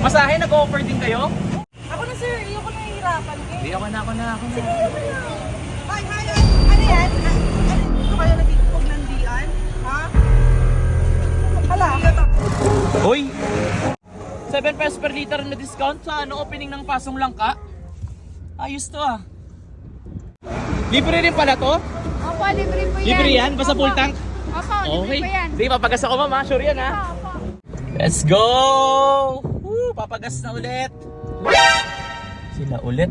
Masahe, nag-offer din kayo? Ako na sir, ayoko na hihirapan kayo. Hindi, ako na. Sige, ako na. Ay, ano yan? Dito kayo nagtitipog ng dian? Ha? Hala. Hoy! 7 pesos per liter na discount sa opening ng Pasong Langka. Ayos to ah. Libre rin pala to? Opo, libre po yan. Libre yan? Basta full tank? Opo, libre po yan. Sige, papagas ako mama. Sure yan ha? Opo. Let's go! Woo, papagas na ulit. Sila ulit.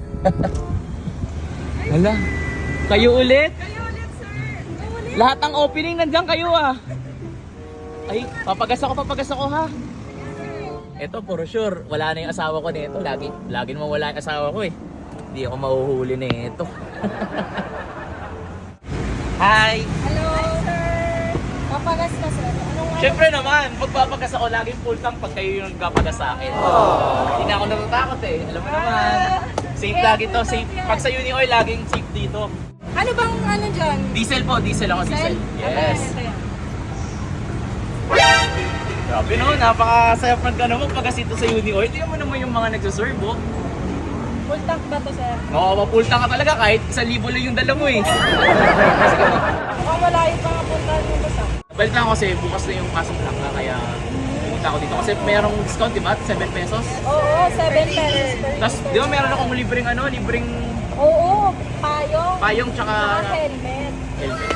Hala. Kayo ulit? Kayo ulit, sir. Kayo ulit. Lahat ng opening nandiyan kayo ah. Ay, papagas ako ha. Ito, for sure, wala na yung asawa ko nito. Lagi naman wala yung asawa ko eh. Hindi ako mahuhuli nito. Hi! Hello, sir. Papagas ka, sir. Anong Siyempre naman, magpapagas ako laging full tank pag kayo yung nagpapagas sa akin. Hindi na ako natatakot eh. Alam mo naman. Safe lagi to. Safe. Pag sa Uni Oil, laging safe dito. Ano bang ano dyan? Diesel po. Diesel ako. Diesel. Yes. Ito yan. Grabe no, napakasaya pag magpagas ito sa Uni Oil. Tingnan mo naman yung mga nagsaserve oh. Full tank ba to, sir? Oo, full tank ka talaga kahit 1,000 lang yung dala mo eh. Mukhang malayo pa nga puntahan mo ba sa? Balik lang ako kasi bukas na yung Pasong Langka kaya pumunta ako dito. Kasi merong discount diba? 7 pesos. Oo, 7 pesos per Tapos di ba meron akong libreng Oo, payong. payong tsaka Saka helmet. helmet.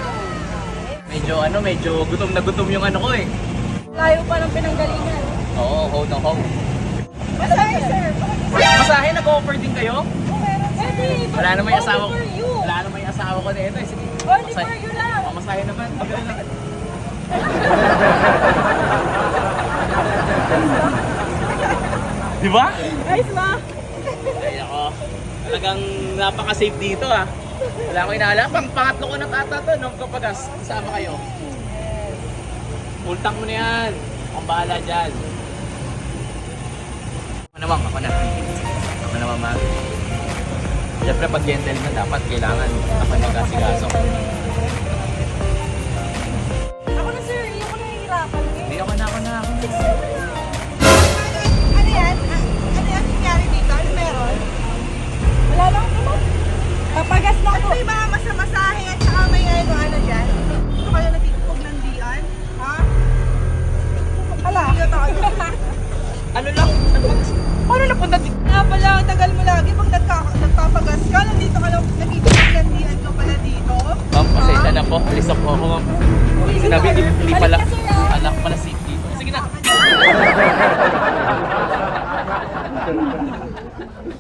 Medyo gutom na gutom yung ano ko eh. Layo pa ng pinanggalingan. Oo, hold on, hold. Masahe, sir. Masahe, nag-offer din kayo? Oo, meron. Pwede. Wala naman yung asawa ko. Only for you. Wala naman yung asawa ko nito eh. Sige. Only for you lang. Masahe naman. Di ba? Nice ba? Ay ako. Talagang napaka-safe dito ah. Wala akong inaalam. Pangatlo ko na ata to nung kapagas. Kasama kayo. Full tank mo na yan. Ang bahala dyan. Ako naman mag. Siyempre pag gentleman dapat kailangan ako mag-asigaso. Ako na, sir. Ayoko na hihirapan kayo. Hindi ako na. Ano yan? Ano yan nangyari dito? Ano meron? Wala lang naman. Papagas lang Ano po. ba yung mga masamasahe at saka may ano dyan? Dito kayo nagtitipog ng dian? Ha? Hala. Ano lang? Paano napunta dito? Nga pala, ang tagal mo lagi pag nagpapagas ka, nandito ka lang, nagtitipog ng dian ka pala dito. Ma'am, pasensya na po. Alis na po ako, ma'am. Sinabi, hindi pala. Balik ka, sir, ah. Anak pala safe dito. Sige na.